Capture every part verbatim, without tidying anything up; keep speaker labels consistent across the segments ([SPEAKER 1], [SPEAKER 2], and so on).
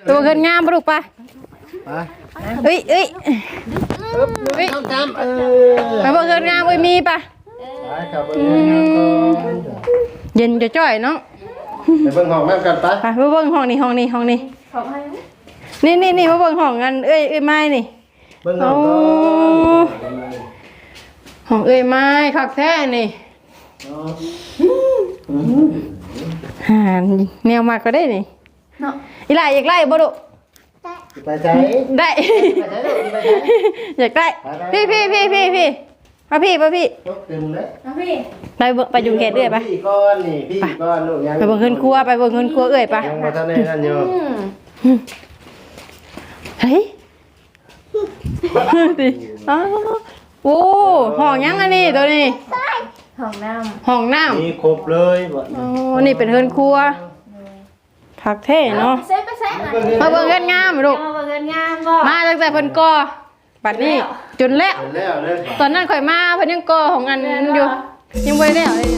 [SPEAKER 1] ตัวเงินงามปะลูกปะเอ้ยเอ้ยเอ้ยไปบอกเงินงามเอ้ยมีปะเย็นจะจ่อยเนาะ
[SPEAKER 2] ไปเบิ่งห้องนั่นกันปะ
[SPEAKER 1] ไปมาเบิ่งห้องนี้ห้องนี้ห้องนี้นี่นี่นี่มาเบิ่งห้องกันเอ้ยเอ้ยไม้นี่
[SPEAKER 2] เบิ่งห้อง
[SPEAKER 1] ห้องเอ้ยไม้คักแท้นี่ห่านแนวมากก็ได้นี่เนาะอีหล่าอยากไล่บ่ดุ
[SPEAKER 2] ไปใจ
[SPEAKER 1] ได้อยากได้พี่พี่พี่พี่พี่มาพี่มาพี่
[SPEAKER 2] มาพี่
[SPEAKER 1] ไปไปจุงเกตเอ้ยปะ
[SPEAKER 2] พี่ก้อนนี่พี่ก้อนลูกยัง
[SPEAKER 1] ไปเบิ่งเงินครัวไปเบิ่งเงินครัวเอ้ยปะ
[SPEAKER 2] ยังมาทำในนั่นอยู่
[SPEAKER 1] เฮ้ยดิอ๋อโอ้ห้องยังอันนี้ตัวนี้
[SPEAKER 3] ห้องน้ำ
[SPEAKER 1] ห้องน้ำ
[SPEAKER 2] มีครบเลย
[SPEAKER 1] อ๋อนี่เป็นเงินครัวผักเท่เนาะมาเบิ่งเงินงามลูก
[SPEAKER 3] มาเบิ่งเงินงามบ่
[SPEAKER 1] มาตั้งแต่เพิ่นก่อบัดนี้จนแล้วตอนนั้นข่อยมาเพิ่นยังก่อของอันอยู่ยังบ่ได้แล้วเลย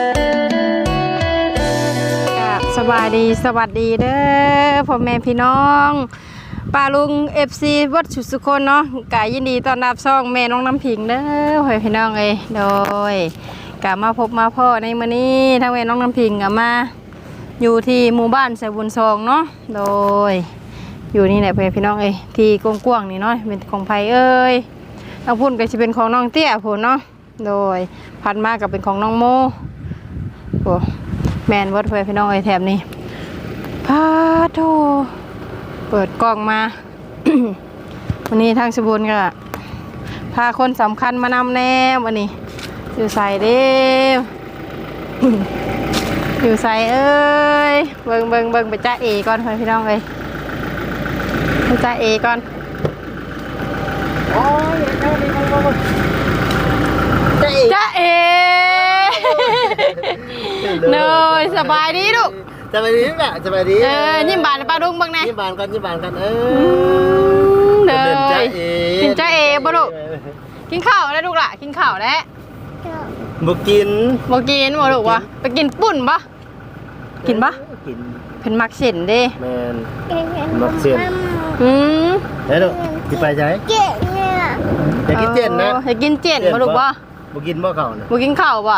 [SPEAKER 1] สบายดีสวัสดีเด้อพ่อแม่พี่น้องป้าลุง เอฟ ซี วัดสุสุคนเนาะกะยินดีต้อนรับช่องแม่น้องน้ำผิงเด้อพ่อพี่น้องเอ้ยโดยกะมาพบมาพ่อในมื้อนี้ทั้งแม่น้องน้ำผิงกะมาอยู่ที่หมู่บ้านไสบุญซองเนาะโดยอยู่นี่แหละพ่อพี่น้องเอ้ยที่กว้างๆนี่เนาะเป็นของไผเอ้ยทางพุ่นก็สิเป็นของน้องเตี้ยพุ่นเนาะโดยพันมาก็เป็นของน้องโมโอ้แม่นวัดพ่อพี่น้องเอ้ยแถบนี้พาโธเปิดกล้องมา วันนี้ทางสบุญก็พาคนสำคัญมานำแน่วันนี้อยู่ใส่เด้อ อยู่ใส่เอ้ยเบิ่งเบิ่งเบิ่งไปจ้าเอก่อนพี่น้องเลยไปจ้าเอก่อนโอ้ยจ้าเอจ้าเอเนยสบายดีลูก
[SPEAKER 2] สบายดีแม่สบายดี
[SPEAKER 1] เออยิ้มบานป้าดุ้งบ้างไง
[SPEAKER 2] ยิ้มบานกันยิ้มบานกันเอ
[SPEAKER 1] อเลยกินจ้าเอบ่ลูกกินข้าวแล้วลูกล่ะกินข้าวแล้ว
[SPEAKER 2] บ่กิน
[SPEAKER 1] บ่กินบ่ลูกวะไปกินปุ่นปะกินปะ
[SPEAKER 2] กิน
[SPEAKER 1] เป็นมักเส้นเด้
[SPEAKER 2] แมนมักเส้น
[SPEAKER 1] อืม
[SPEAKER 2] แล้วลูกกินไปใช่
[SPEAKER 3] เจ็ดเนี่ย
[SPEAKER 2] อยากกินเจนนะ
[SPEAKER 1] อยากกินเจนบ่ลูกวะ
[SPEAKER 2] บ่กินบ่ข้าวนะ
[SPEAKER 1] บ่กินข้าวปะ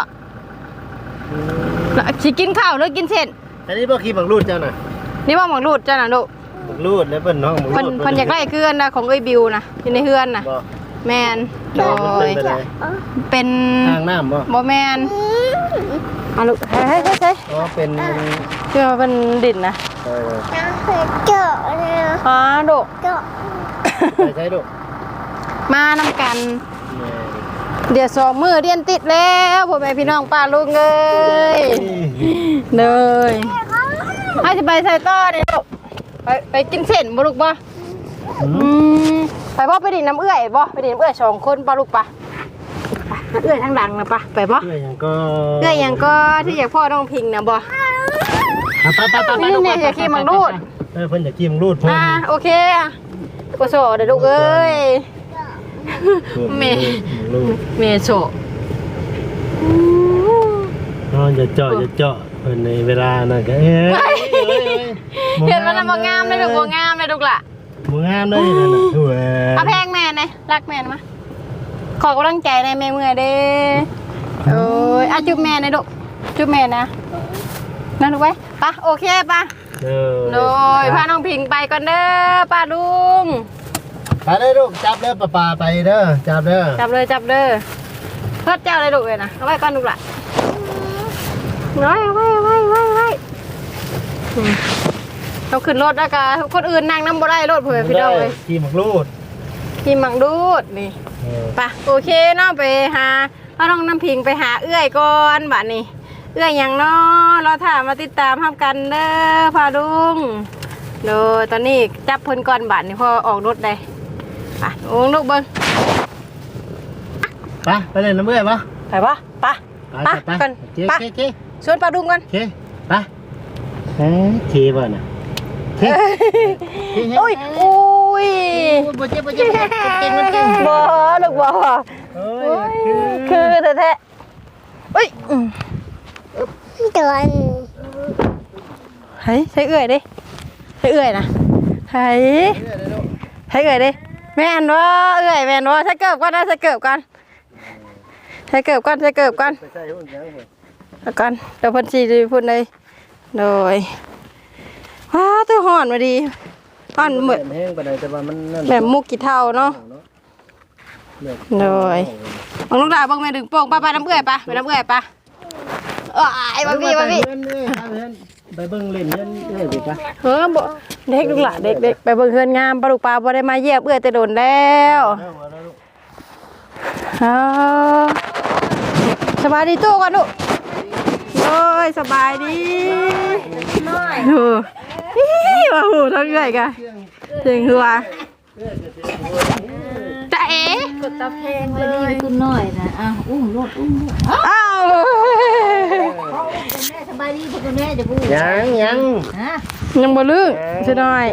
[SPEAKER 1] สิกินข้าวหรือกินเส้น
[SPEAKER 2] อันนี้บ่ขี้บังรูดเจ้าน่ะ
[SPEAKER 1] นี่ว่าหมักรูดเจ้าน่ะลูก
[SPEAKER 2] บังรูดแล้วเพิ่นน้องบังรูดเพิ่น
[SPEAKER 1] เพิ่นอยากได้เกลือนะของเอ้ยบิวนะอยู่ในเฮือนน่ะแมนโดยเป็น
[SPEAKER 2] ทางน้ำบ่
[SPEAKER 1] บ่แมนอ่ะลูกเฮ้ยเฮ้ยเฮ้ย
[SPEAKER 2] อ๋อเป็น
[SPEAKER 1] เชื่อเป็นดินนะ
[SPEAKER 2] เออ
[SPEAKER 3] เจาะเนี่ย
[SPEAKER 1] อ๋อลูก
[SPEAKER 3] เจาะ
[SPEAKER 2] ไปใช่ลูก
[SPEAKER 1] มานำกันเดี๋ยวสองมือเรียนติดแล้วพ่อแม่พี่น้องป้าลุงเอ้ยเลยให้จะไปใส่ต้อเนี่ยลูกไปไปกินเส้นบ่ลูกบ่ไปบ่ไปดินน้ำเอื้อยบ่ไปดินน้ำเอื้อยสองคนป้าลูกปะเอื้อยทางหลังนะปะไปบ่
[SPEAKER 2] เอื้อยยังก็
[SPEAKER 1] เอื้อยยังก็ที่อยากพ่อน้องพิงนะบ่
[SPEAKER 2] ไปไปไป
[SPEAKER 1] นี่เนี่ยอยากขี่มังรูด
[SPEAKER 2] เออเพิ่นอยากขี่มังรูดพ่อ
[SPEAKER 1] อ่าโอเคโกโซเดี๋ยวลูกเอ้ยเมเมโซ
[SPEAKER 2] นอนจะเจาะจะเจาะเพิ่นในเวลานั่นก็เอ้ย
[SPEAKER 1] เห็นมันบ่งามเลยลูกบ่งามเลยลูกล่ะ
[SPEAKER 2] บ่งามเลยนั่นน่ะโอ้ย
[SPEAKER 1] เอาแพงแม่ไหนรักแม่มั้ยขอกำลังใจในแม่เมื่อยเด้โอ้ยอ่ะจุ๊บแม่หน่อยลูกจุ๊บแม่นะนั่นลูกไว้ปะโอเคปะโดยพาน้องพิงไปก่อนเด้อป้าลุง
[SPEAKER 2] ไปเลยลูกจับเด้อป้าป้าไปเด้อจับเด้อ
[SPEAKER 1] จับเลยจับเด้อเพิ่นเจ้าเลยลูกเลยนะเอาไว้ก่อนลูกล่ะน้อยเอาไว้เอาไว้ไว้ไว้เราขึ้นรถแล้วกันคนอื่นนั่งน้ำบ่ได้รถเผื่อพี่น้องเลย
[SPEAKER 2] ขี่มังรูด
[SPEAKER 1] ขี่มังรูดนี่ปะโอเคเนาะไปหาเราต้องน้ำพิงไปหาเอื้อยก่อนบัดนี้เอื้อยอย่างเนาะเราถามมาติดตามทำกันเด้อพาลุงโดยตอนนี้จับเพิ่นก่อนบัดนี้พอออกรถได้อ่ะโอ้ลูกเบิ้ง
[SPEAKER 2] ไปไปเลยน้ำเอื้อยปะ
[SPEAKER 1] ไปปะปะปะกันปะชวนปลาดุงกัน
[SPEAKER 2] โอเคไปเฮ้ยเคบ่น่ะ
[SPEAKER 1] โอ้ยโอ้ย
[SPEAKER 2] บ่เจ็บบ่เจ็บเก่งมันเก่ง
[SPEAKER 1] บ่ลูกบ่โอ้ยคือแท้ๆเฮ้ย
[SPEAKER 3] เดิน
[SPEAKER 1] เฮ้ยใช้เอื้อยดิใช้เอื้อยนะให้ให้เอ่ยดิแม่นบ่เอ้ยแม่นบ่ใส่เกิบก่อนนะใส่เกิบก่อนใส่เกิบก่อนใส่เกิบก่อน
[SPEAKER 2] ไปใส่หุ่นยังบ่
[SPEAKER 1] แล้วก่อนเดี๋ยวเพิ่นสิพูดเลยโดยว้าตัวฮ้อนมาดีฮ้อนเหมือน
[SPEAKER 2] แห้งปานใดแต่ว่ามันนั่น
[SPEAKER 1] แบบมุกกี่เท่าเนาะโดยบังลูกดาบังแม่ดึงโป่งป้าไปน้ำเอื้อยปะไปน้ำเอื้อยปะเอ้ยบาบี้บาบี้
[SPEAKER 2] ไปเบิ่งเล่นเล่นเอ้ยดิปะ
[SPEAKER 1] เฮ้อบ่เด็กลูกหลานเด็กเด็กไปเบิ่งเฮือนงามปลาลูกปลาบ่ได้มาเยี่ยมเอื้อยแต่โดนแล้วอ้าวสบายดีตู้ก่อนลูกโอ้ยสบายดีน้อยโอ้ยว่าหูทั้งเอื้อยกะเสียงหัวจะเอ๋
[SPEAKER 3] กดตะเพงเลยคุณหน่อยนะอ้าวอุ้มรถอุ้มรถ
[SPEAKER 1] อ้าว
[SPEAKER 3] แม่สบายดีพวกคุณแม่จะพูด
[SPEAKER 2] ยังยัง
[SPEAKER 3] ฮะ
[SPEAKER 1] ยังบ่ลึกใช่หน่อย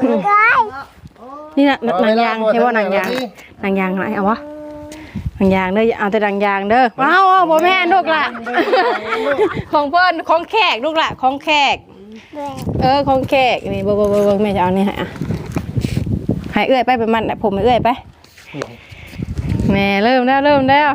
[SPEAKER 1] นี่น่ะหนังยางเห็นบ่หนังยางหนังยางไหนเอาวะหนังยางเด้อเอาแต่หนังยางเด้อว้าวบ่แม่นลูกล่ะของเพิ่นของแขกลูกล่ะของแขกเออของแขกนี่เบิ่งๆๆแม่จะเอานี่ให้อ่ะให้เอื้อยไปเป็นมันผมให้เอื้อยไปแม่เริ่มแล้วเริ่มแล้ว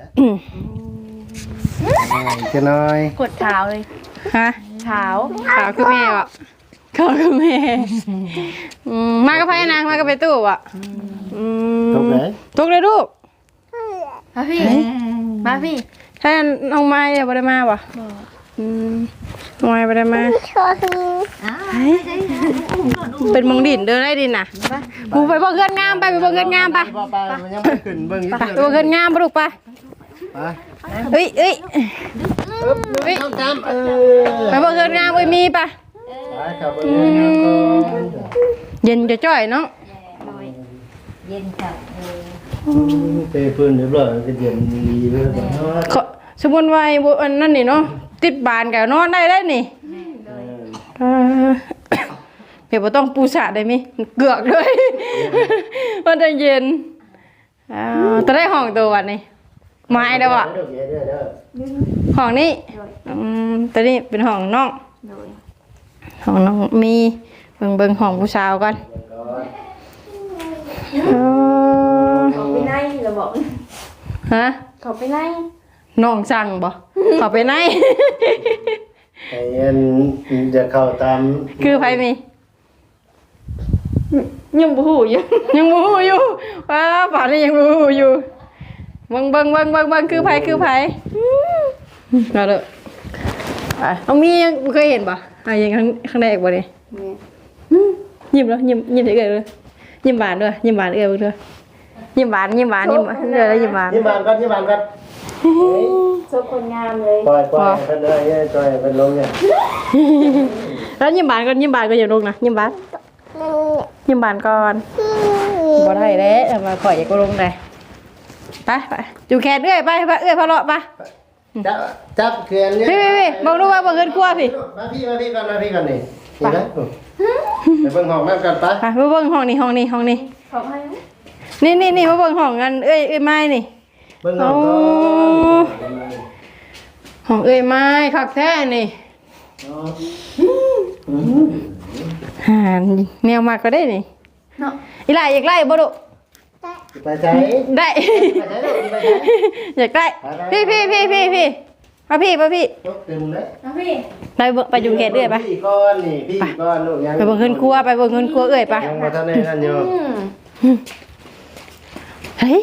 [SPEAKER 2] จะน้อย
[SPEAKER 3] กดเท้าเลย
[SPEAKER 1] ฮะ
[SPEAKER 3] เท้า
[SPEAKER 1] ขาวคือแม่อ่ะขาวคือแม่อืมมากับไผนะมากับไปตู้อ่ะอืม
[SPEAKER 2] ตกไหน
[SPEAKER 1] ตกเลยลูก
[SPEAKER 3] มาพี่มาพี่
[SPEAKER 1] ถ้าน้องไม้เนี่ยบ่ได้มาบ่อืมน้องไม้บ่ได้มา
[SPEAKER 3] อ้าว
[SPEAKER 1] เป็นมงดินเดินได้ดินน่ะกูไปเบิ่งเฮือนงามไปไปเบิ่งเฮือนงามไป
[SPEAKER 2] บ่ไปมันยังไม่ขึ้นเบิ่ง
[SPEAKER 1] ไปไปเบิ่งเฮือนงามบ่ลูกไป
[SPEAKER 2] ไป
[SPEAKER 1] เอ้ยเอ้ย
[SPEAKER 2] เฮ้ยต้องตามเออ
[SPEAKER 1] ไปเบิ่งเฮือนงามเอ้ยมีปะ
[SPEAKER 2] ไปครับเบิ่งงานก่อน
[SPEAKER 1] เย็นจะจ้อยเนาะ
[SPEAKER 3] เย็นค่ะ
[SPEAKER 2] เตะพื้นเรียบร้อยก็เย็นดีเลยบ่เนาะ
[SPEAKER 1] ขอสมมุติว่าไอ้บ่อันนั้นนี่เนาะติดบานก็นอนได้ได้นี่เออเดี๋ยวบ่ต้องปูสาดได้มิเกือกเลย มันจะเย็นอ้าวตอนได้ห้องตัววันนี้ไม้แล้วอ่ะ
[SPEAKER 2] เด้อเด้อเด้อเด้อ
[SPEAKER 1] ห้องนี้อืมตัวนี้เป็นห้องน้องห้องน้องมีเบิ่งเบิ่งห้องผู้สาวก่อนเออ
[SPEAKER 3] เขาไปไหนเราบอก
[SPEAKER 1] ฮะ
[SPEAKER 3] เขาไปไหน
[SPEAKER 1] น้องสั่งบ่เข้าไปไหน
[SPEAKER 2] ไอ้อันจะเข้าตาม
[SPEAKER 1] คือไผมียังบ่ฮู้อยู่ ยังบ่ฮู้อยู่ว้าป่านนี้ยังบ่ฮู้อยู่เบิ่งเบิ่งเบิ่งเบิ่งเบิ่งคือไผคือไผเอาเด้ออ่ะน้องมียังบ่เคยเห็นบ่อ่ะยังครั้งครั้งแรกบ่นี่ยิ้มแล้วยิ้มยิ้มเฉยๆเลยยิ้มหวานด้วยยิ้มหวานเอ้ยเบิ่งด้วยยิ้มหวานยิ้มหวานยิ้มหวานเด้อแล้วยิ้มหวาน
[SPEAKER 2] ที่บ้านก่อนที่บ้านก่อน
[SPEAKER 3] โซคนงามเลย
[SPEAKER 2] ปล่อยปล่อยเพิ่นเลยปล่อยเพิ่นลงเนี่ย
[SPEAKER 1] แล้วยิ้มหวานก่อนยิ้มหวานก็อย่าลงนะยิ้มหวานยิ้มหวานก่อนบ่ได้เด้เอามาข่อยอย่าก็ลงได้ไปไปอยู่แขนเอ้ยไปไปเอ้ยพะเลาะไป
[SPEAKER 2] จับจับเขียนเนี่ย
[SPEAKER 1] พี่พี่พี่บอกดูว่าบ่เงินครัวพี่
[SPEAKER 2] มาพี่มาพี่ก่อนมาพี่ก่อนนี่นี่นะไปเบิ่งห้องน้ำกันไป
[SPEAKER 1] ไปมาเบิ่งห้องนี้ห้องนี้ห้องนี้
[SPEAKER 3] ขอให้
[SPEAKER 1] นี่นี่นี่มาเบิ่งห้องกันเอ้ยเอ้ยไม้นี่
[SPEAKER 2] เบิ่งห้องก่อน
[SPEAKER 1] ห้องเอ้ยไม้คักแท้นี่หาแนวมากก็ได้นี่
[SPEAKER 3] เนาะ
[SPEAKER 1] อีหล่าอยากไล่บ่ดุ
[SPEAKER 2] ไปใจ
[SPEAKER 1] ได้
[SPEAKER 2] ไปใจลูกไปใจ
[SPEAKER 1] อยากไล่พี่พี่พี่พี่พี่มาพี่มาพี่
[SPEAKER 2] ยกเต็มเลย
[SPEAKER 3] มาพี่
[SPEAKER 1] ไปเบิ่งไปอยู่แขนเอ้ยไป
[SPEAKER 2] พี่ก้อนนี่พี่ก้อนลูกยัง
[SPEAKER 1] ไปเบิ่งเงินครัวไปเบิ่งเงินครัวเอ้ยไป
[SPEAKER 2] ยังบ่ทันได้นั่นอยู่
[SPEAKER 1] เฮ้ย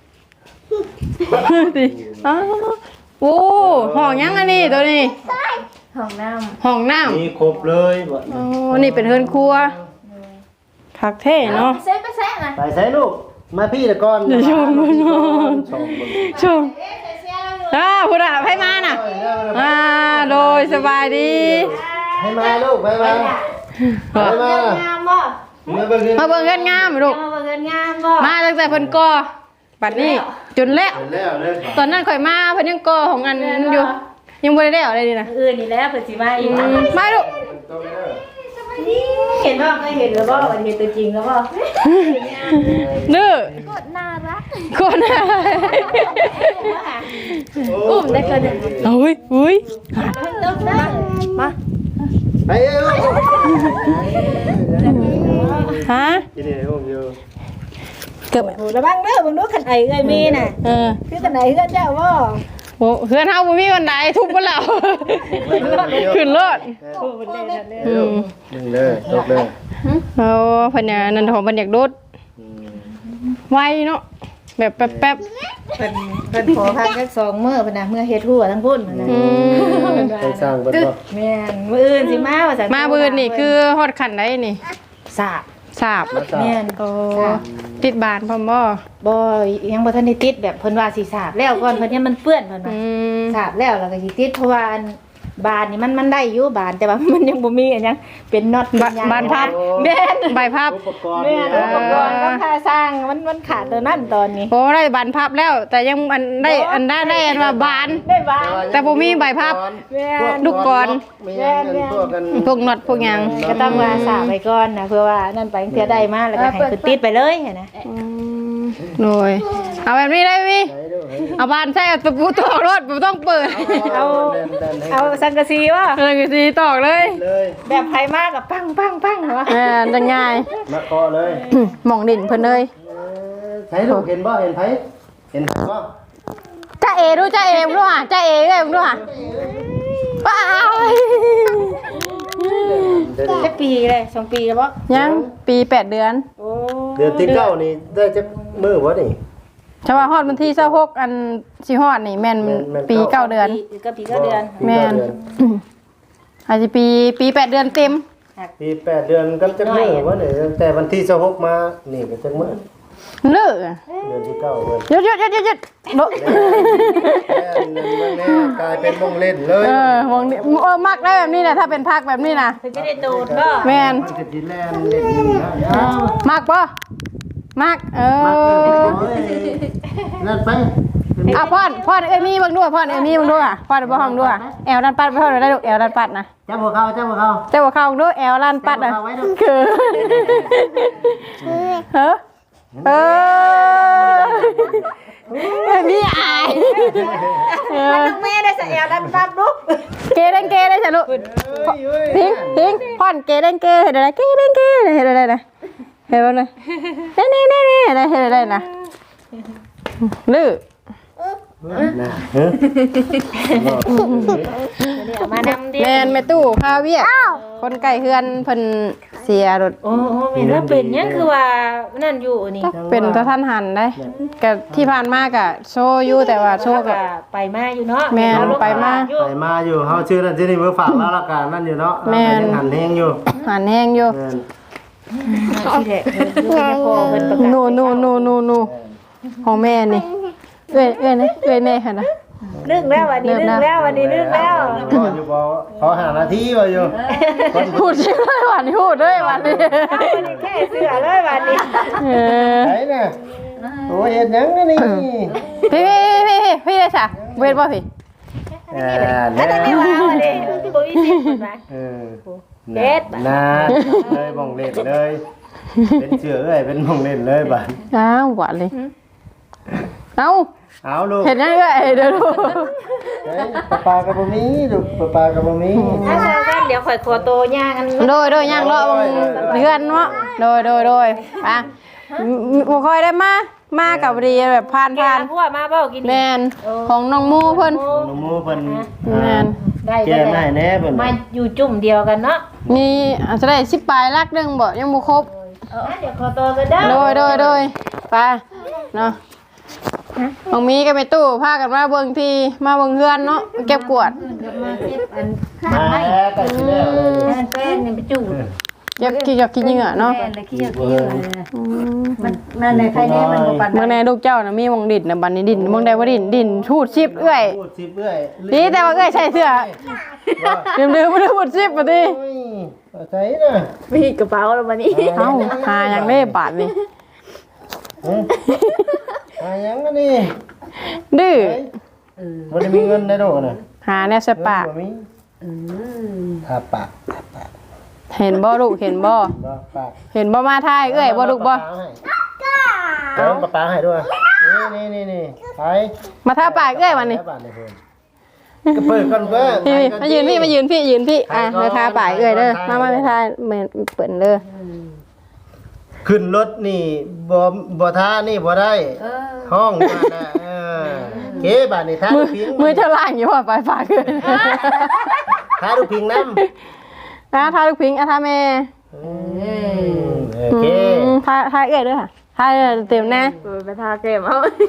[SPEAKER 1] ดิอ้าวโอ้ห้องยังอันนี้ตัวนี้
[SPEAKER 3] ห้องน้
[SPEAKER 1] ห้องน้ำ
[SPEAKER 2] มีครบเลยบ่
[SPEAKER 1] อ๋อนี่เป็นเฮือนครัวคักเท่
[SPEAKER 3] ำ
[SPEAKER 1] เนาะ
[SPEAKER 3] เซ่ไปแซ่นะ
[SPEAKER 2] ไปใส่ลูกมาพี่ตะก้อน
[SPEAKER 1] เดี๋ยวชมมันนอน
[SPEAKER 2] ชมเบิ่ง
[SPEAKER 1] ชมอ่าพุทธะให้มาน่ะอ่าโดยสบายดี
[SPEAKER 2] ให้มาลูกไปมาไปมา
[SPEAKER 3] งามบ่
[SPEAKER 2] มาเบิ่งเงิน
[SPEAKER 1] มาเบิ่งเฮือนงามลูก
[SPEAKER 3] มาเบิ่งงามบ่
[SPEAKER 1] มาตั้งแต่เพิ่นก่อบัดนี้จนแล้ว
[SPEAKER 2] เห็นแล้วเลย
[SPEAKER 1] ตอนนั้นข่อยมาเพิ่นยังก่อของอันอยู่ยังบ่ได้แล้วอะไรนี่นะ
[SPEAKER 3] อื่นนี่แล้วเปิดสิมาอีก
[SPEAKER 1] อืมมาลูก
[SPEAKER 2] ต้องเด้อ
[SPEAKER 3] เห็นบ่เคยเห็นหรือบ่วันเห็นตัวจริงแล้วบ่
[SPEAKER 1] ดื้อก
[SPEAKER 3] ดน่ารัก
[SPEAKER 1] คนอะไร
[SPEAKER 3] อุ้มได้เกินหนึ่ง
[SPEAKER 1] อุ้ยอุ้ย
[SPEAKER 3] ลูกนะมา
[SPEAKER 2] ไปเอ้ย
[SPEAKER 1] ฮะ
[SPEAKER 2] กินนี่ห้องอยู่
[SPEAKER 1] เกือบ
[SPEAKER 3] โอ้ระวังเด้อเบิ่งดูคันไอ้เอ้ยมีน่ะ
[SPEAKER 1] เออ
[SPEAKER 3] คือคันไอ้เอ้ยเจ้าบ่
[SPEAKER 1] โอ้เฮือนเฮาบ่มีวันใดทุบบ่แล้วขึ้นรถ
[SPEAKER 3] โอ้มันได้ทันเลย
[SPEAKER 1] อืม
[SPEAKER 2] หนึ่งเลยตกเลย
[SPEAKER 1] โอ้เพิ่นน่ะนั่นของเพิ่นอยากโดดไวเนาะแบบแป๊บ
[SPEAKER 3] เพิ่นเพิ่นขอพักสักสองมื้อเพิ่นน่ะมื้อเฮ็ดหัวทั้งพุ่นเพิ่นน่ะ
[SPEAKER 1] ๆอืม
[SPEAKER 2] ไปสร้างเพิ่นบ่
[SPEAKER 3] แม่นมื้ออื่นสิมาว่าซั่น
[SPEAKER 1] มาบืนนี่คือฮอดขันได้นี่
[SPEAKER 3] สาบ
[SPEAKER 1] สาบ
[SPEAKER 2] มาสร้าง
[SPEAKER 3] แม่น
[SPEAKER 1] โอ้ติดบานพร้อมบ่
[SPEAKER 3] บ่ยังบ่ทันได้ติดแบบเพิ่นว่าสิสาบแล้วก่อนเพิ่นยังมันเปื้อนเพิ่น
[SPEAKER 1] อื
[SPEAKER 3] ว่า
[SPEAKER 1] ม
[SPEAKER 3] สาบแล้วแล้วก็สิติดเพราะว่าอันบานนี่มันมันได้อยู่บานแต่ว่ามันยังบ่มีอันหยังเป็นน็อตเป็นหยัง
[SPEAKER 1] บานพับ
[SPEAKER 3] แม่น
[SPEAKER 1] ใบพับ
[SPEAKER 2] อุปกรณ์
[SPEAKER 3] แม่
[SPEAKER 2] นี่
[SPEAKER 3] นอุปกรณ์ก็ค่าสร้างมันมันขาดตัวนั้นตอนนี้
[SPEAKER 1] โอ้ได้บานพับแล้ว แต่ยังอันได้อันได้ได้อันว่าบาน
[SPEAKER 3] ได้บาน
[SPEAKER 1] แต่บ่มีใบพับ
[SPEAKER 3] แม่น
[SPEAKER 1] ลูกกร
[SPEAKER 2] มีเงินพวกกัน
[SPEAKER 1] พวกน็อตพวกหยัง
[SPEAKER 3] ก็ต้องว่าสาบไปก่อนนะเพื่อว่านั่นไปเทื่อได้มาแล้วก็ให้คือติดไปเลยนะ
[SPEAKER 1] อืมโดยเอาแบบนี้ได้พี่
[SPEAKER 2] ไหนดู
[SPEAKER 1] เอาบานใช่เอาตะปูตอกรถบ่ต้องเปิด
[SPEAKER 3] เอา เอาสังกะสีว่า
[SPEAKER 1] เออคือสิตอกเลย
[SPEAKER 2] เลย
[SPEAKER 3] แบบไผมากกับปังปังปังวะ
[SPEAKER 1] เออจังง่าย
[SPEAKER 2] มาเคาะเลย
[SPEAKER 1] หม่องดินเพิ่นเลย
[SPEAKER 2] ใช้ลูกเห็นบ่เห็นไผเห็นบ่
[SPEAKER 1] จ้าเอดูจ้าเอมึงดูอ่ะจ้าเอเอ้ยมึงดูอ่ะว้าว
[SPEAKER 3] จะปีเลยสองปีแล้วบ่
[SPEAKER 1] ยังปีแปดเดือน
[SPEAKER 3] โอ้
[SPEAKER 2] เดือนที่เก้านี่ได้จักมื้อบ่นี่
[SPEAKER 1] ชาวาฮอดวันที่เศร้าหกอันสิฮอดนี่แม่น
[SPEAKER 2] แม่นแม่น
[SPEAKER 1] ปีเก้าเดือน
[SPEAKER 3] ก็ปีก็เดือน
[SPEAKER 1] แม่น อาจจะปีปีแปดเดือนเต็ม
[SPEAKER 2] ปีแปดเดือนกันจักมื้อบ่นี่แต่วันที่สิบหกมานี่ก็จักมื้อ
[SPEAKER 1] เลิก
[SPEAKER 2] เดือนที่เก้าเว้ย
[SPEAKER 1] หยุดหยุดหยุดหยุดหยุดโดะ
[SPEAKER 2] แม่กลายเป็นวงเล่นเลย
[SPEAKER 1] เออมองนี่เออมักได้แบบนี้นะถ้าเป็นพักแบบนี้นะ
[SPEAKER 3] เพิ่นจะได้โดดก็
[SPEAKER 1] แม่น
[SPEAKER 2] มันจะสิแล่นเล่นอยู่นะ
[SPEAKER 1] มักปะมักเอ
[SPEAKER 2] มาเกิด
[SPEAKER 1] อ
[SPEAKER 2] โอ้ยนั่นไป
[SPEAKER 1] อ่ะพ่อนพ่อนเอ้ยมีบังด้วยพ่อนเอ้ยมีบังด้วยอ่ะพ่อนบ่ห้องด้วยแอลดันปัดไปเท่าไหร่ได้ลูกแอลดันปัดนะ
[SPEAKER 2] จับหัวเข้าจับหัวเข้า
[SPEAKER 1] เจ้าว่าเข้าด้วยแอลดันปัดอ่ะ
[SPEAKER 2] เอาไว้ดู
[SPEAKER 1] คือเฮ้อเออมีอายเออ
[SPEAKER 3] แม่ได้ใส่แอลดันปั๊บลูก
[SPEAKER 1] เกเด้งเกได้จ้ะลูก
[SPEAKER 2] เฮ้ย
[SPEAKER 1] ทิ้งทิ้งพ่อนเกเด้งเกเห็นอะไรเกเด้งเกเห็นอะไรนะเห็นบ่นะนี่นี่นี่นี่เห็นอะไรนะลื้อ
[SPEAKER 2] น่ะเฮ้ย
[SPEAKER 3] เอามานำดิ
[SPEAKER 1] แมนแม่ตู้พาเวียกคนไก่เฮือนเพิ่นเสียรถ
[SPEAKER 3] โอ้โหแม่นว่าเป็นหยังคือว่านั่นอยู่นี่
[SPEAKER 1] เป็นตะท่านหันได้ก็ที่ผ่านมากะโชว์อยู่แต่ว่าโชว์
[SPEAKER 3] ก็
[SPEAKER 1] กะ
[SPEAKER 3] ไปมาอยู่เนาะ
[SPEAKER 1] แม่นไปมา
[SPEAKER 2] ไปมาอยู่เฮาชื่อนั่นชื่อนี่เบิ่งฝากแล้วละกันนั่นอยู่เนาะยังหันแฮงอยู่
[SPEAKER 1] หันแห้งอยู่
[SPEAKER 2] แม่น
[SPEAKER 3] ที่แหละเพิ่นพอเพิ่นประกาศ
[SPEAKER 1] นูนูนูนูนูของแม่นี่เอ้ยเอ้ยนะเอ้ยแน่ค่ะนะ
[SPEAKER 3] นึกแล้ววันนี้นึกแล้ววันนี้นึกแล้ว
[SPEAKER 2] บ่อยู่บ่เขาหาหน้าที่บ่อยู่
[SPEAKER 1] พูดชื่อเลยวันนี้พูดเลยวันนี้
[SPEAKER 3] เอาวันนี้แค่เสือเลยวันนี้
[SPEAKER 1] เออ
[SPEAKER 2] ไหนน่ะโอ้เฮ็ดหยังนี่
[SPEAKER 1] พี่พี่พี่พี่เลยจ้ะเวทบ่พี่
[SPEAKER 2] อ่า
[SPEAKER 3] แล้
[SPEAKER 2] แล้ว ว
[SPEAKER 3] ได้ว่าวันนี้บ่มีสิทธิ์เพิ่นว่า
[SPEAKER 2] เออ
[SPEAKER 3] เด็ด
[SPEAKER 2] น่าเลยบ่งเล่นเลย เป็นเชื่อเอ้ยเป็นบ่งเล่นเลยบัด
[SPEAKER 1] อ้าวหวานเลยเอ้า
[SPEAKER 2] เอาลูก
[SPEAKER 1] เห็นยังไงเดี๋ยวดู
[SPEAKER 2] เฮ้ยปลาปลากับบ่มีลูกปลาปลากับบ่มี
[SPEAKER 3] ถ้าเจอกันเดี๋ยวข่อยขอโตย่างกัน
[SPEAKER 1] โดยโดยย่างเลาะบางเดือนเนาะโดยโดยโดยอ่ะบ่ค่อยได้มามากับดีแบบผ่าน
[SPEAKER 3] แก
[SPEAKER 1] ผ่าน
[SPEAKER 3] พวกมาเบ้ากิน
[SPEAKER 1] แมนของน้องมูเพิ่น
[SPEAKER 2] น้องหมูเพิ่น
[SPEAKER 1] แมน
[SPEAKER 3] ได้
[SPEAKER 2] แก้ได้แน่เพิ่น
[SPEAKER 3] มาอยู่จุ่มเดียวกันเนาะ
[SPEAKER 1] มีอาจจะได้สิบปลายลักหนึงบ่ยังบ่ครบ
[SPEAKER 3] เออเดี๋ยวขอโตกันเด้อ
[SPEAKER 1] โดยโดยโดยไปเนาะของมีก็ไปตู้พากันมาเบิ่งที่มาเบิ่งเฮือนเนาะเก็บกวาด
[SPEAKER 3] มาเก็บอัน
[SPEAKER 2] มาแล้วก็สิแล้วเลย
[SPEAKER 3] อันแป้นนี่ไปจูด
[SPEAKER 1] เก็บกี่กับกินเหงื่อเนาะ
[SPEAKER 3] แป้นเลยขี้เกียจมันนั่นในใครแน่มันบ่ปาน
[SPEAKER 1] เมืองในลูกเจ้าน่ะมีหมองดินน่ะบัดนี้ดินเมืองใดว่าดินดินชูดชิบเอื้อย
[SPEAKER 2] พูดสิเอื้อย
[SPEAKER 1] ดีแต่ว่าเอื้อยใส่เสื้อลืมลืมบ่ได้พูดชิบบ่ติ
[SPEAKER 2] โอ้ยเอาใส่น่ะ
[SPEAKER 3] มีกระเป๋าแล้ววันนี้
[SPEAKER 1] เอ้าหาหยังได้บาทนี่
[SPEAKER 2] เอ้ยหาหยังกันนี่
[SPEAKER 1] ดื้อ
[SPEAKER 2] บ่ได้มีเงินได้ดอกน่ะ
[SPEAKER 1] หาแนวใส่ปาก
[SPEAKER 2] บ่มีทาปากทาปาก
[SPEAKER 1] เห็นบ่ลูกเห็นบ่
[SPEAKER 2] บ่ปาก
[SPEAKER 1] เห็นบ่มาทายเอื้อยบ่ลูกบ่
[SPEAKER 2] เอาปลาปลาให้ด้วยนี่นี่นี่นี่ไป
[SPEAKER 1] มาทาปากเอื้อยวันนี้
[SPEAKER 2] ก็เปิดก่อนเพื่อน
[SPEAKER 1] พี่มายืนพี่มายืนพี่ยืนพี่อ่ะมาทาปากเอื้อยเด้อมามาไม่ทายเหมือนเปิ่นเด้อ
[SPEAKER 2] ขึ้นรถนี่บ่บ่ท่านี่บ่ได้
[SPEAKER 3] เออ
[SPEAKER 2] ห้องมาน่ะเออเก๋บาดนี่ท่า
[SPEAKER 1] มื
[SPEAKER 2] ลู
[SPEAKER 1] อก
[SPEAKER 2] พิง
[SPEAKER 1] มือเท่าล่างอยู่ว่าไปฝากขึ้น
[SPEAKER 2] ท่าลูกพิงน้ำ
[SPEAKER 1] อ่ะทาลูกพิงอ่ะทาแม่
[SPEAKER 2] อืมโอเค
[SPEAKER 1] อืมทาทาเอ้ยด้วยค่ะทาเต็มแน่
[SPEAKER 3] เออไปทาเกมเอา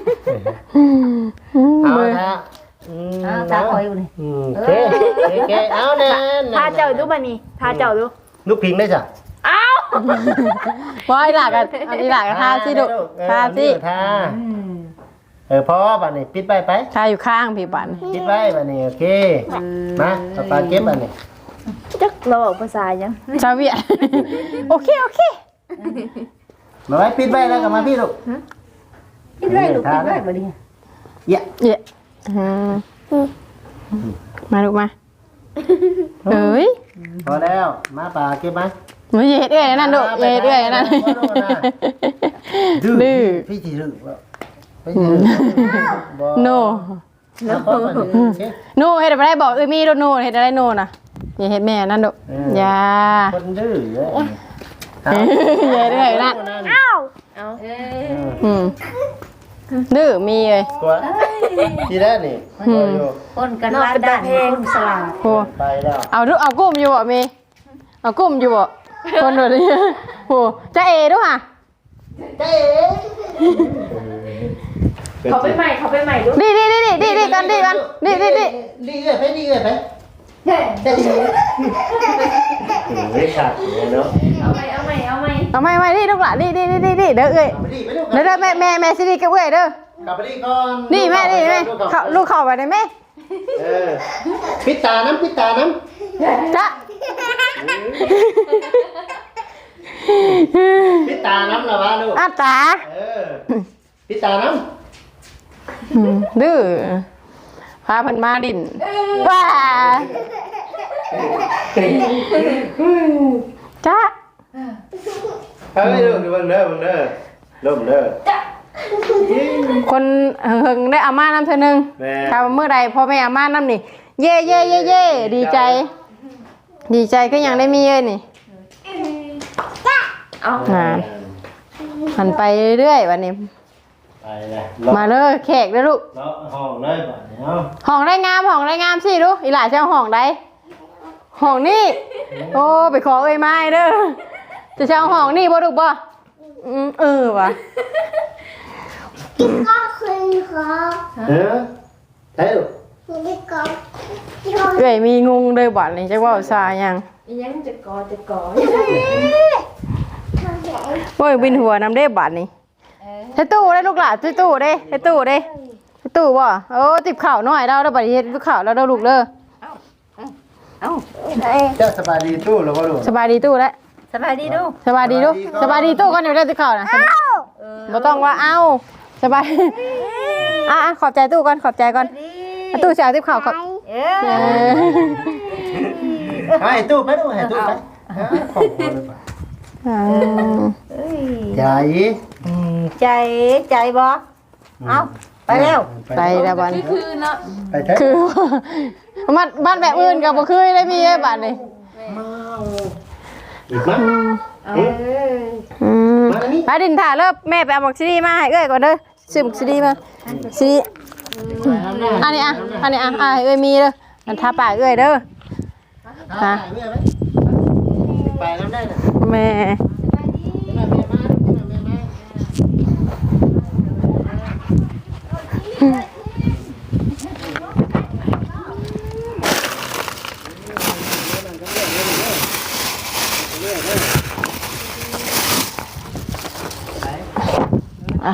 [SPEAKER 2] เอา
[SPEAKER 1] มือ
[SPEAKER 2] ท่าอืม
[SPEAKER 3] เอาทาคอยอยู่นี่
[SPEAKER 2] อืมโอเคโอเคเอาแน่
[SPEAKER 3] ทาเจ้าดูบัดนี้ทาเจ้าดู
[SPEAKER 2] ลูกพิงได้จ้ะ
[SPEAKER 3] เอ้า
[SPEAKER 1] ว่าอีหลากันอีหลากันทาสิดุทาสิ
[SPEAKER 2] ทาเออพอบัดนี้ปิดไปไป
[SPEAKER 1] ทาอยู่ข้างพี่ปัน
[SPEAKER 2] ปิดไว้บัดนี้โอเคมาเอาปลาเก็บบัดนี้
[SPEAKER 3] จักเราบอกภาษายัง
[SPEAKER 1] ชาวเวียดโอเคโอเค
[SPEAKER 2] มาไว้ปิดไว้แล้วก็มาพี่ลูก
[SPEAKER 3] คิดไว้ลูกคิดไว้บัดนี้
[SPEAKER 2] เยอะ
[SPEAKER 1] เยอะอืมมาลูกมาเอ้ย
[SPEAKER 2] พอแล้วมาปลาเก็บมา
[SPEAKER 1] มือเย็ดเอ้ยนั่นดุเย็ดเอ้ยนั่น
[SPEAKER 2] ดื้อ
[SPEAKER 1] ดื้อ
[SPEAKER 2] พี่จีดื้อบ่พี่จีดื้อบ่
[SPEAKER 1] โน
[SPEAKER 2] เอาพอบัดนี้โอเค
[SPEAKER 1] โนเฮ็ดอะไรได้บอกเอ้ยมีโดโนเฮ็ดอะไรโนน่ะอย่าเฮ็ดแม่นั่นดุอย่า
[SPEAKER 2] คนดื้อเอ้ย
[SPEAKER 1] เย็ดเอ้ยนั่น
[SPEAKER 3] เอ้าเอา
[SPEAKER 1] อืมดื้อมีเลย
[SPEAKER 2] ตัวทีแรกนี่ตัวอยู่
[SPEAKER 3] คนกันว่าด้านคนสลาด
[SPEAKER 1] โห
[SPEAKER 2] ไปแล้ว
[SPEAKER 1] เอาดูเอากุ้มอยู่บ่มีเอากุ้มอยู่บ่คนแบบนี้โหจะเอด้วยค่ะ
[SPEAKER 2] เจ๊
[SPEAKER 3] เขาไปใหม่เขาไปใหม่ดู
[SPEAKER 1] ดีดีดีดีดีดีกันดีกันดีดีดี
[SPEAKER 2] ดีเอ้ยไปดีเอ้ยไปเจ๊เจ๊เฮ้ยขาดเลยเนาะ
[SPEAKER 3] เอาใหม่เอาใหม่เอาใหม่
[SPEAKER 1] เอาไม่ไม่ดีลูกหล่ะดีดีดีดีดีเด้อเอ้ย
[SPEAKER 2] ไปดีไปดู
[SPEAKER 1] เด้อเด้อแม่แม่แม่สิดีกับเอ้ยเด้อก
[SPEAKER 2] ลับไปดีก่อน
[SPEAKER 1] นี่แม่นี่แม่เขาลูกเข้าไปได้ไหม
[SPEAKER 2] เออปิดตาน้ำปิดตาน้ำ
[SPEAKER 1] จ๊ะ
[SPEAKER 2] ปิดตาน้ำละวะลูก
[SPEAKER 1] อาตา
[SPEAKER 2] เออปิดตาน้
[SPEAKER 1] ดื้อพาเพันมาดินว้าจ๊ะ
[SPEAKER 2] ำเฮ้ยลูกดูบังเด้อบังเด้อลูกเด้อ
[SPEAKER 1] คนเฮงได้อาม่าน้ำเธอหนึ่ง
[SPEAKER 2] แม่
[SPEAKER 1] ถ้าเมื่อใดพ่อแม่อาม่าน้ำนี่เย่เย่เย่เย่ดีใจ ดีใจก็ยังได้มีเอ้ยนี่
[SPEAKER 3] เอา
[SPEAKER 1] นานหันไปเรื่อยๆวันนี้
[SPEAKER 2] ไปเลย
[SPEAKER 1] มาเลยแขกเลยลูก
[SPEAKER 2] เลาะห้องเลยบ่เนาะ
[SPEAKER 1] ห้องได้งามห้องได้งามสิลูกอีหล่าจะเอาห้องใดห้องนี่โอ้ไปขอเอ้ยไม้เด้อจะจะเอาห้องนี่บ่ลูกบ่อืมเออว่ะ
[SPEAKER 4] พี่ก็คืนขอ
[SPEAKER 2] เออเฮ้ย
[SPEAKER 4] พี่ก็
[SPEAKER 1] เอ้ยมีงงเลยบัดนี้จักว่าซายัง
[SPEAKER 3] ยังจะกอจะกอ
[SPEAKER 1] โอ้ยบินหัวน้ำเด้บัดนี้ใช้ตู้ได้ลูกหล่ะใช้ตู้ได้ใช้ตู้ได้ใช้ตู้บ่โอ้ติบข่าวหน่อยเราแล้วบัดนี้เฮ็ดข่าวแล้วเราลูกเด้อ
[SPEAKER 3] เอ้า
[SPEAKER 2] เจ้าสบายดีตู้หรือว่าลูก
[SPEAKER 1] สบายดีตู้แล้ว
[SPEAKER 3] สบายดีดู
[SPEAKER 1] สบายดีลูกสบายดีตู้ก่อนเดี๋ยวได้ติบข่าวนะบ่ต้องว่าเอ้าสบายอ่ะขอบใจตู้ก่อนขอบใจก่อนตู้จะเอาติบข่าวขอบ
[SPEAKER 3] เอ
[SPEAKER 1] เอ
[SPEAKER 3] อ
[SPEAKER 1] อ
[SPEAKER 2] ให้ตู้ไปดูให้ตู้ไปของคนเลยป่ะ
[SPEAKER 1] อ่า
[SPEAKER 2] ใจ
[SPEAKER 3] ใจใจบ่เอาไปแล้ว
[SPEAKER 1] ไปแล้วบัดนี้
[SPEAKER 2] ไปเถอะ
[SPEAKER 1] คือบ้านบ้านแบบอื่นก็บ่คือได้มีไอ้บัดนี้
[SPEAKER 2] อีกมั้ง
[SPEAKER 1] อืมไปดินถ่าเลิกแม่ไปเอาบักซีดีมาให้เอ้ยก่อนเด้อซื้อบักซีดีมาซีดีอันนี้อ่ะอันนี้อ่ะอ่ะให้เอ้ยมีเด้ออันทาปากเอ้ยเด้อฮะ
[SPEAKER 2] ไปน้ำได้น่ะ
[SPEAKER 1] แม่อ่ะ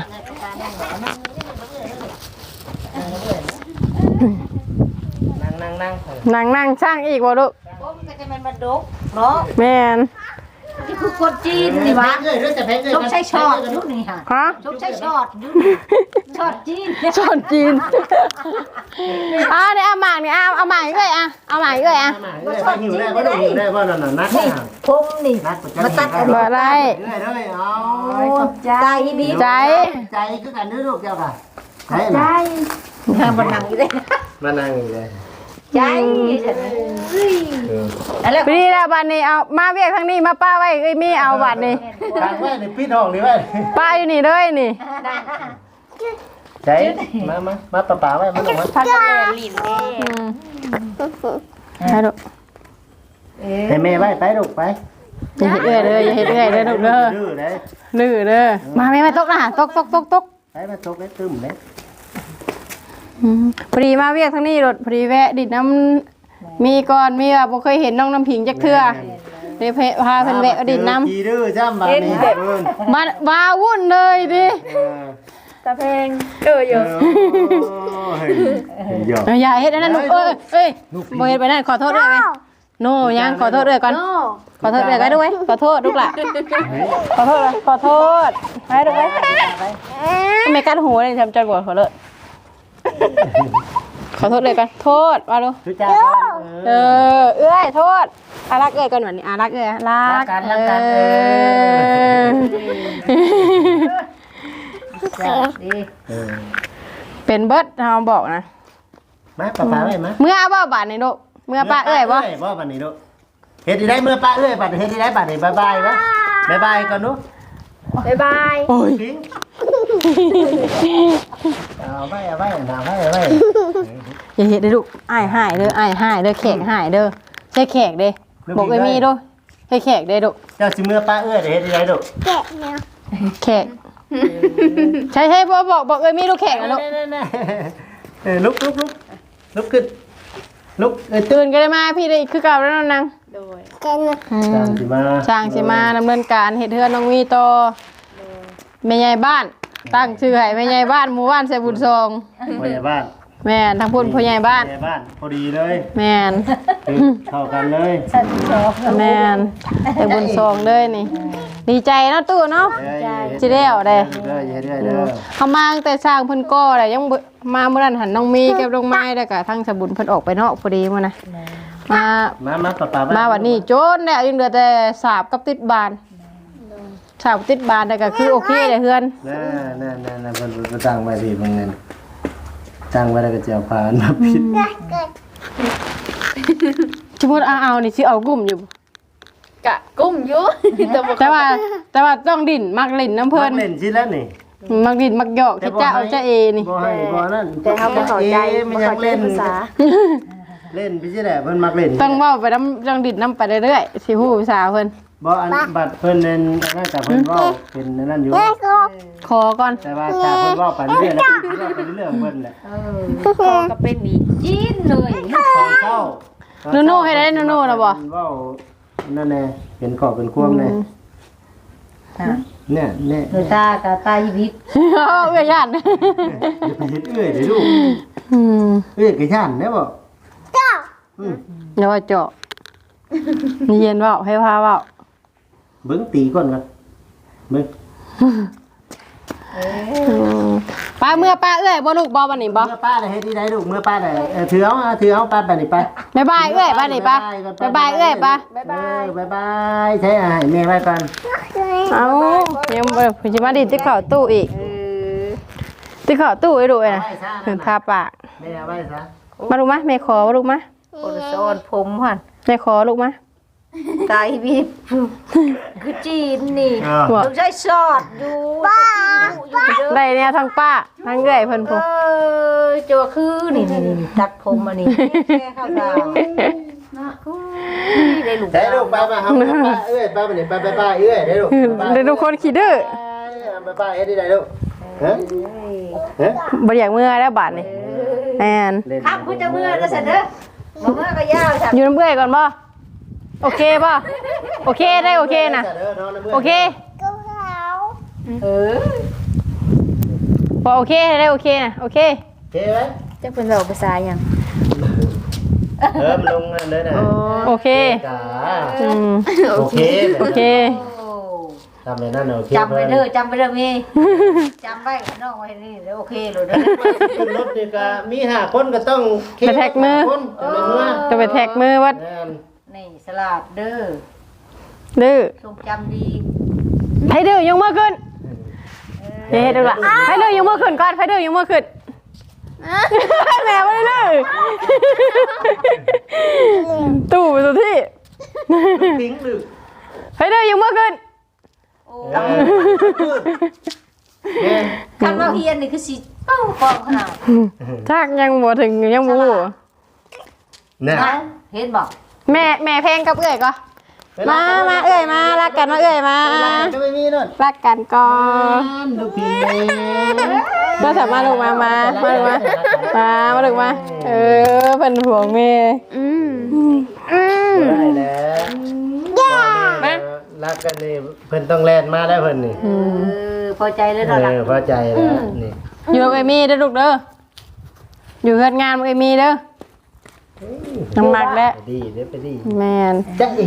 [SPEAKER 2] นั่งนั่งนั่ง
[SPEAKER 1] นั่งนั่งช่างอีกบ่ลูก
[SPEAKER 3] ผมก็จะเป็นบันดุกเนาะ
[SPEAKER 1] แม่น
[SPEAKER 3] นี่คือคนจีนนี่วะ
[SPEAKER 2] เลยด้วยแต่แพงเลย
[SPEAKER 3] ชกใช้ช็อตยุคนี้ค่ะ
[SPEAKER 1] ฮะ
[SPEAKER 3] ชกใช้ช็อตยุคช็อตจีน
[SPEAKER 1] ชอนจีนอ่ะเนี่ยเอาหมากนี่เอาเอาหมากอีกเลยอ่ะเอาหมากอีกเลยอ่ะ
[SPEAKER 2] หิวได้ป่ะหิวได้ป่ะนั่นน่ะนัก
[SPEAKER 3] นี่ผมนี่
[SPEAKER 2] นัก
[SPEAKER 3] มาตัดอัน
[SPEAKER 1] บ่
[SPEAKER 3] นี้
[SPEAKER 1] อะไร
[SPEAKER 2] ได้เลยเอา
[SPEAKER 3] ใจดี
[SPEAKER 1] ใจ
[SPEAKER 2] ใจคือกันด้วยลูกเจ้าค่ะใจ
[SPEAKER 3] ใจ
[SPEAKER 2] นะ
[SPEAKER 3] ทางบันนังอยู่เลย
[SPEAKER 2] มานั่งอีกเลย
[SPEAKER 3] ใจฉันอะไร
[SPEAKER 1] พอดีแล้วบัดนี้เอามาเวียกทางนี้มาป้าไว้เอ้ยมีเอาบัดนี้
[SPEAKER 2] ทางไว้ในปิดห้องนี่ไว้
[SPEAKER 1] ป้าอยู่นี่เลยนี่
[SPEAKER 2] ใช่มามามาป่าป่าไว้มาลงมา
[SPEAKER 3] พักกันแม่ลิ้นเด้
[SPEAKER 1] อืมให้ดู
[SPEAKER 2] ให้แม่ไว้ไปลูกไป
[SPEAKER 1] อย่าเฮ็ดเอื้อยเลยอย่าเฮ็ดเอื้อยเลยลูกเด้อ
[SPEAKER 2] ดื้อเลย
[SPEAKER 1] ลื้อเด้อมาแม่มาตกนะตกตกตกตก
[SPEAKER 2] ไปมาตกได้ตึมเลย
[SPEAKER 1] อืมพอดีมาเวียกทางนี้รถพอดีแวะดิดน้ำมีก่อนมีแบบบ่เคยเห็นน้องน้ำผิงจักเทื่อเดี๋ยวพาเพิ่นแวะดิดน้ำ
[SPEAKER 2] กี่ดื้อจ้ำบาดนี้เพิ่น
[SPEAKER 1] มาว้าวุ่นเลยดิ
[SPEAKER 2] เออ
[SPEAKER 3] ตาเพลงเอออยู่
[SPEAKER 2] เฮ้ยหยอก
[SPEAKER 1] อย่าเฮ็ดอันนั้นลูกเอ้ยเอ้ยบ่เฮ็ดไปนั่นขอโทษด้วยไหมโนยังขอโทษด้วยก่อนขอโทษด้วยกันด้วยขอโทษลูกหล่ะขอโทษเลยขอโทษให้ด้วยไม่กัดหูเลยทำจนปวดหัวเลยขอโทษเลยกันโทษมาดู
[SPEAKER 2] ทุจ้า
[SPEAKER 1] เออเอ้ยโทษอารักเอ้ยก่อนวันนี้อารักเอ้ยรัก
[SPEAKER 3] กันรักกันเออดี
[SPEAKER 2] เออ
[SPEAKER 1] เป็นเบิร์ดเราบอกนะ
[SPEAKER 2] มาป่าป่าไว้มา
[SPEAKER 1] เมื่อบ่บาทในโลกเมื่อป้าเอ้ยบ่
[SPEAKER 2] บ่บัดนี้ลูกเฮ็ดได้เมื่อป้าเอ้ยบัดเฮ็ดได้บัดนี้บ๊ายบายวะบ๊ายบายก่อนลูก
[SPEAKER 3] บ๊ายบาย
[SPEAKER 1] โอ้ย
[SPEAKER 2] ทิ้งเอาไว้เอาไว้เอาไว้เอาไว้
[SPEAKER 1] อย่าเฮ็ดเด้อลูกอ้ายหายเด้ออ้ายหายเด้อแขกหายเด้อใช่แขกเด้บอกไอ้มีด้วยให้แขกเด้อลูก
[SPEAKER 2] เจ้าสิเมื่อป้าเอ้ยเฮ็ดได้ลูก
[SPEAKER 4] แกะแมว
[SPEAKER 1] แขกใช่ใช่บ่บอกบอกเอ้ยมีลูกแขกนะลูก
[SPEAKER 2] เออลุกลุกลุกลุกขึ้นลุกเอ้ย
[SPEAKER 1] ตื่นก็ได้มาพี่ได้คือเก่าแล้วนาง
[SPEAKER 3] โดย
[SPEAKER 4] แกะแมว
[SPEAKER 1] อื
[SPEAKER 2] ตาม
[SPEAKER 1] ม
[SPEAKER 2] สิมา
[SPEAKER 1] ช่างสิมาดำเนินการเฮ็ดเฮือนน้องมีต่อแม่ใหญ่บ้าน ตั้งชื่อให้แม่ใหญ่บ้านหมู่บ้านใส่บุญทรง
[SPEAKER 2] พ่อใหญ่บ้าน
[SPEAKER 1] แม่นทั้งพุ่นพ่อใหญ่บ้าน
[SPEAKER 2] พ่อใหญ่บ้านพอดีเลย
[SPEAKER 1] แม่น
[SPEAKER 2] คือเข้ากันเลย
[SPEAKER 1] แม่นใส่บุญทรงเลยนี่ ดีใจเนาะตู้เนาะ สิแล้วเด้
[SPEAKER 2] เด้อเด้อเด้อ
[SPEAKER 1] เขามาตั้งแต่สร้างเพิ่นก่อแหละยังบ่มาเมื่อนั้นหันน้องมีกับน้องไม้แล้วก็ทั้งสบุญเพิ่นออกไปนอกพอดีมื้อนะมา
[SPEAKER 2] มามาป้าป้า
[SPEAKER 1] มาวันนี้โจนแล้วยังเหลือแต่สาบกับติดบานสาบติดบานแต่ก็คือโอเคเลยเฮือน
[SPEAKER 2] น่าน่าน่าน่าเพิ่นเพิ่นตั้งไว้ที่เพิ่นนั่นตั้งไว้แล้วก็จะเอาพานมาปิด
[SPEAKER 4] แกะแกะ
[SPEAKER 1] สมมุติเอาเอานี่สิเอากลุ่มอยู่
[SPEAKER 3] กะกุ้มอยู่แต่บ่
[SPEAKER 1] แต่ว่าแต่ว่าต้องดิ่นมักลิ่นน้ำเพิ่น
[SPEAKER 2] เล่นสิแล้วนี่
[SPEAKER 1] มักดิ่นมักหยอกเฮ็ดจ้าเอาจ้าเอนี่
[SPEAKER 2] บ่ให้บ่นั่น
[SPEAKER 3] แต่เฮาบ่เข้าใจ
[SPEAKER 2] มัน
[SPEAKER 3] บ่
[SPEAKER 2] ยั
[SPEAKER 3] เข้าง ใจ
[SPEAKER 2] เล่น
[SPEAKER 3] ภาษา
[SPEAKER 2] เล่นพี่สิแหละเพิ่นมักเล่น
[SPEAKER 1] ต้องเว้าไปน้ำต้องดิ่นน้ำไปเรื่อยๆสิฮู้ภาษาเพิ่น
[SPEAKER 2] บ่อันบัตรเพิ่นนั่นน่าจะเพิ่นเว้าเป็นนั่นอยู่
[SPEAKER 4] แกะก็
[SPEAKER 1] ขอก่อน
[SPEAKER 2] แต่ว่าถ้าเพิ่นเว้าไปเรื่อยๆแล้วเพิ่นเว้าไปเรื่อยๆของเพิ่นแหละ
[SPEAKER 3] เออคอก็เป็นอีกจีนเลย
[SPEAKER 2] ตอนเช้า
[SPEAKER 1] โน่ๆให้ได้โน่ๆนะบ่
[SPEAKER 2] เพิ่นเว้านั่นแน่เป็นขอบเป็นควมแน่
[SPEAKER 3] ฮะ
[SPEAKER 2] เนี่ยเนี่ย
[SPEAKER 3] เออตากับตายิบิด
[SPEAKER 1] เอาเอื้อย่าน
[SPEAKER 2] อย่าไปเฮ็ดเอื้อยเด้อลูก
[SPEAKER 1] อืม
[SPEAKER 2] เอื้อยก็ย่านแน่บ่
[SPEAKER 4] เจ้า
[SPEAKER 2] อืม
[SPEAKER 1] เดี๋ยวว่าเจาะนี่เย็นเว้าให้พาเว้า
[SPEAKER 2] เบิ่งตีก่อนกันเบิ่ง
[SPEAKER 1] ป้าเมื่อป้าเอ้ยบ่ลูกบ่วันนี้บ่
[SPEAKER 2] เมื่อป้าได้เฮ็ดที่ใดลูกเมื่อป้าได้เออถือเอาเอาถือเอาป้าไปนี่ไป
[SPEAKER 1] บ๊ายบายเอ้ยป้านี่ป้าบ๊ายบายเอ้ยป้า
[SPEAKER 2] บ๊ายบายบ๊ายบายใช้อาหารแม่ไว้ก่อน
[SPEAKER 1] เอ้ายังบ่เพิ่นสิมาดิที่เข้าตู้อีก
[SPEAKER 3] เออ
[SPEAKER 1] ที่เข้าตู้ไอ้ดูไอ้น่ะเพิ่นทาปาก
[SPEAKER 2] แม่เอาไว้ซะ
[SPEAKER 1] มาลูกมาแม่ขอมาลูกมา
[SPEAKER 3] โอนโซนผมหั่น
[SPEAKER 1] แม่ขอลูกมา
[SPEAKER 3] ตายิบิดคือจีนนี่
[SPEAKER 2] อ้าว
[SPEAKER 1] บ่
[SPEAKER 3] ต้องใช้ซอสอยู่บ้าอยู่เด้อ
[SPEAKER 1] ได้แนวทั้งป้าทั้งเอ้ยเพิ่น
[SPEAKER 3] เอ
[SPEAKER 1] พู
[SPEAKER 3] อจัวคือนี่นี่นี่ตัดผมมานี่แค่เข้าดาวนะอุ้ยได้ลูก
[SPEAKER 2] ได้ลูกไปมาครับป้าเอ้ยป้าไปนี่ไปไปป้าเอ้ยได้ลูก
[SPEAKER 1] ได้ทุกคนขี้ดื้อ
[SPEAKER 2] ไปป้าเฮ็ดที่ใดลูกฮะฮะ
[SPEAKER 1] บ่อยากเมื่อแล้วบาดนี้แม่น
[SPEAKER 2] เล่น
[SPEAKER 3] ครับคุณจะเมื่อก็เสร็จเด้อบ่เมื่อก็ยาวจ้ะ
[SPEAKER 1] อยู่น้ำเอ้ยก่อนบ่โอเคป่ะโอเคได้โอเคนะโอเค
[SPEAKER 4] ก็เขา
[SPEAKER 3] เออ
[SPEAKER 1] พอโอเคได้โอเคนะโอเค
[SPEAKER 2] โอเคไหม
[SPEAKER 3] จะเป็นแบบภาษาหยัง
[SPEAKER 2] เออมันลงนั่นเลยนะ
[SPEAKER 1] โอเค
[SPEAKER 2] จ้า
[SPEAKER 1] อืม
[SPEAKER 2] โอเค
[SPEAKER 1] โอเค
[SPEAKER 3] โอ้
[SPEAKER 2] ทำเลยนั่นโอเค
[SPEAKER 3] จำไปเด้อจำไปเด้อมีจำไว้น้องไว้นี่เด้อโอเคเลยเด้อ
[SPEAKER 2] ขึ้นรถนี่ก็มีห้าคนก็ต้องคนจะเป็นเมื่อ
[SPEAKER 1] จะไปแท็กมือวัด
[SPEAKER 3] นี่สลัดเด้อ
[SPEAKER 1] ดื้อ
[SPEAKER 3] ทรงจำดี
[SPEAKER 1] ให้ดื้อยกมือขึ้นเฮ้ดูละให้ดื้อยกมือขึ้นก่อนให้ดื้อยกมือขึ้นแม่ไม่ได้เลยตู่ไปตัวที่
[SPEAKER 2] ทิ้งหรือ
[SPEAKER 1] เฮ้ยเด้อยังเมื่อคืน
[SPEAKER 3] คันเราเฮียนนี่คือสิเป้าปองขนาด
[SPEAKER 1] ทักยังบ่ถึงยังบ่
[SPEAKER 2] เนี่ย
[SPEAKER 3] เห็นบอก
[SPEAKER 1] แม่แม่เพลงกับเอ้ยก็มามาเอ้ยมารักกันมาเอ้ยมา
[SPEAKER 2] จะไม่มีนั่น
[SPEAKER 1] รักกันก่อน
[SPEAKER 2] ลูกพี่
[SPEAKER 1] ก็สามารถลงมามามาลงมามามาลงมาเออเป็นห่วงแม่อืมอืม
[SPEAKER 2] ได้แล้วมารักกันนี่เพิ่นต้องแล่นมาได้เพิ่นนี่
[SPEAKER 3] เออพอใจแล้ว
[SPEAKER 2] เอ
[SPEAKER 3] เนาะล่ะ
[SPEAKER 2] อพอใจแล้วนี่
[SPEAKER 1] อยู่กับเอมี่เด้อลูกเด้ออยู่เฮ็ดงานกับเอมี่เด้อน้ำมักแล้ว
[SPEAKER 2] ไปดีเด้อไปดี
[SPEAKER 1] แม่น
[SPEAKER 2] จ๊ะอี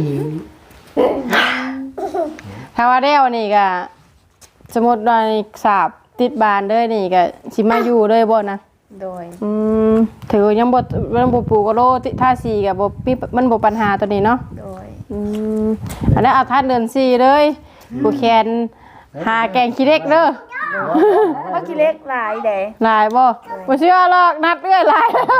[SPEAKER 1] ถ้าว่าเด้วนี่ก็สมมุติว่าสาบติดบานเด้อนี่ก็สิมาอยู่เลยบ่นะ
[SPEAKER 5] โดย
[SPEAKER 1] อืมถือยังบ่มันบ่ปลูกก็โลติท่าสีก็บ่มีมันบ่ปัญหาตัวนี้เนาะ
[SPEAKER 5] โดย
[SPEAKER 1] อืมอันนั้นเอาท่านเดือนสี่เลยผู้แคนหาแกงขี้เล็กเด้อ
[SPEAKER 5] ว่ากี่เล็กหลายเด้
[SPEAKER 1] หลายบ่บ่เชื่อหรอกนัดเอื้อยหลายแล้ว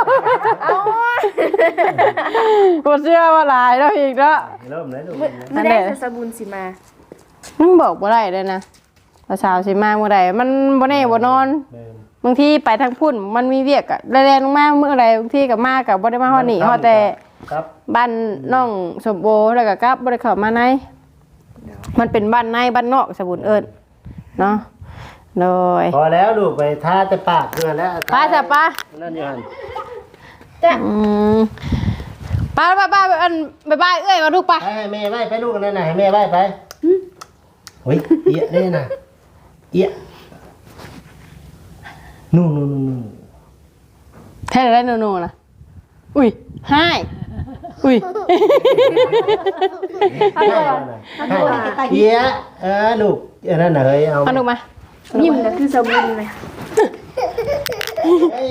[SPEAKER 1] บ่เชื่อว่าหลายแล้วอีกเนาะ
[SPEAKER 2] เริ่มเลยลูก
[SPEAKER 5] ไม่ได้จะสบุญสิมา
[SPEAKER 1] มันบอกบ่ได้เลยนะภาษาวสิมาเมื่อใดมันบ่แน่บ่นอน
[SPEAKER 2] เออบ
[SPEAKER 1] างทีไปทางพุ่นมันมีเวียกอะแล่นๆลงมาเมื่อใดบางทีก็มาก็บ่ได้มาฮอดนี่ฮอดแต่
[SPEAKER 2] ครับ
[SPEAKER 1] บ้านน้องสมโบแล้วก็กลับบ่ได้เข้ามาในมันเป็นบ้านในบ้านนอกสบุญเอิ้นเนาะโดย
[SPEAKER 2] พอแล้วลูกไปท่าจะปากเกลือแล้ว
[SPEAKER 1] ป้าจ้ะป้า
[SPEAKER 2] นั่นอยู่หั่น
[SPEAKER 1] อืมป้าป้าป้าอันบ๊ายบายเอ้ยมาลูกป้า
[SPEAKER 2] ไปให้แม่ไหว้ไปลูกนั่นน่ะให้แม่ไหว้ไปเฮ้ยเอียได้น่ะเอียนู่นนู่นนู่นนู่น
[SPEAKER 1] แท้ได้โนๆนะอุ้ยให้อุ้ย
[SPEAKER 2] เอียเออลูกเออนั่นน่ะเฮ้ยเอา
[SPEAKER 1] เอาลูกมา
[SPEAKER 5] ยิ้มนะคือสบุญเลย
[SPEAKER 2] เอ้ย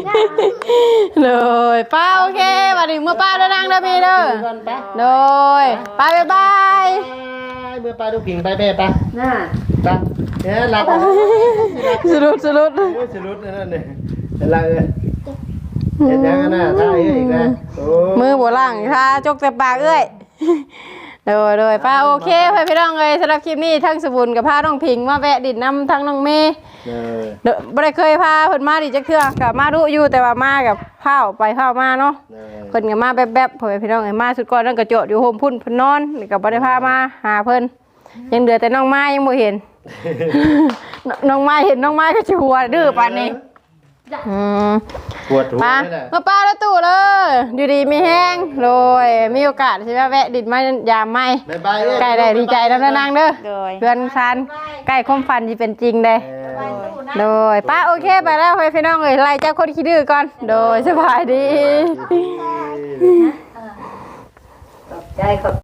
[SPEAKER 1] เลยป้าโอเคมาถึงเมื่อป้าเดินทางเด้อพี่เด้อ
[SPEAKER 2] ก่อนไป
[SPEAKER 1] โดยป้าบ๊ายบาย
[SPEAKER 2] เมื่อปลาดูผิงไปแม่ไป
[SPEAKER 3] น่า
[SPEAKER 2] ไปเนี่ยหลับ
[SPEAKER 1] สรุปสรุป
[SPEAKER 2] โอ้ยสรุปนั่นน่ะเป็นไรเอ้ยเห็นยังน่ะท่าเอ้ยอีกแล้วโอ้
[SPEAKER 1] มือบัวล่างค่ะจกแต่ปากเอ้ยโดยโดยป้าโอเคไปพี่น้องเลยสำหรับคลิปนี้ทั้งสบุญกับพาน้องพิงมาแวะดินน้ำทั้งน้องเมย์
[SPEAKER 2] เออ
[SPEAKER 1] เด้อบ่ได้เคยพาเพิ่นมาดิจักเทื่อกับมาดูอยู่แต่ว่ามากับข้าวไปข้าวมาเนาะ
[SPEAKER 2] เออ
[SPEAKER 1] เพิ่นก็มาแป๊บๆพ่อแม่พี่น้องเอ้ยมาสุดก่อนนั่นก็โจดอยู่โฮมพุ่นเพิ่นนอนนี่ก็บ่ได้พามาหาเพิ่นยังเหลือแต่น้องไม้ยังบ่เห็น น้องไม้เห็นน้องไม้ก็สิหัวดื้อปานนี้อืม
[SPEAKER 2] ปวดหัว
[SPEAKER 1] มา
[SPEAKER 2] นี่แหละ
[SPEAKER 1] มาป้าแล้วตู่เลยอยู่ดีมีแห้งโดยมีโอกาสสิมาแวะดินมายามใหม่
[SPEAKER 2] บ๊ายบายเอ้ย
[SPEAKER 1] ใกล้ได้ดีใจนำนางเด้อ
[SPEAKER 5] โดย
[SPEAKER 1] เพื่อนซันใกล้ความฝันสิเป็นจริงเด้
[SPEAKER 2] เออ
[SPEAKER 1] โดยป้าโอเคไปแล้วให้พี่น้องเอ้ยไล่เจ้าคนขี้ดื้อก่อนโดยสบายดี
[SPEAKER 3] ใจขอบ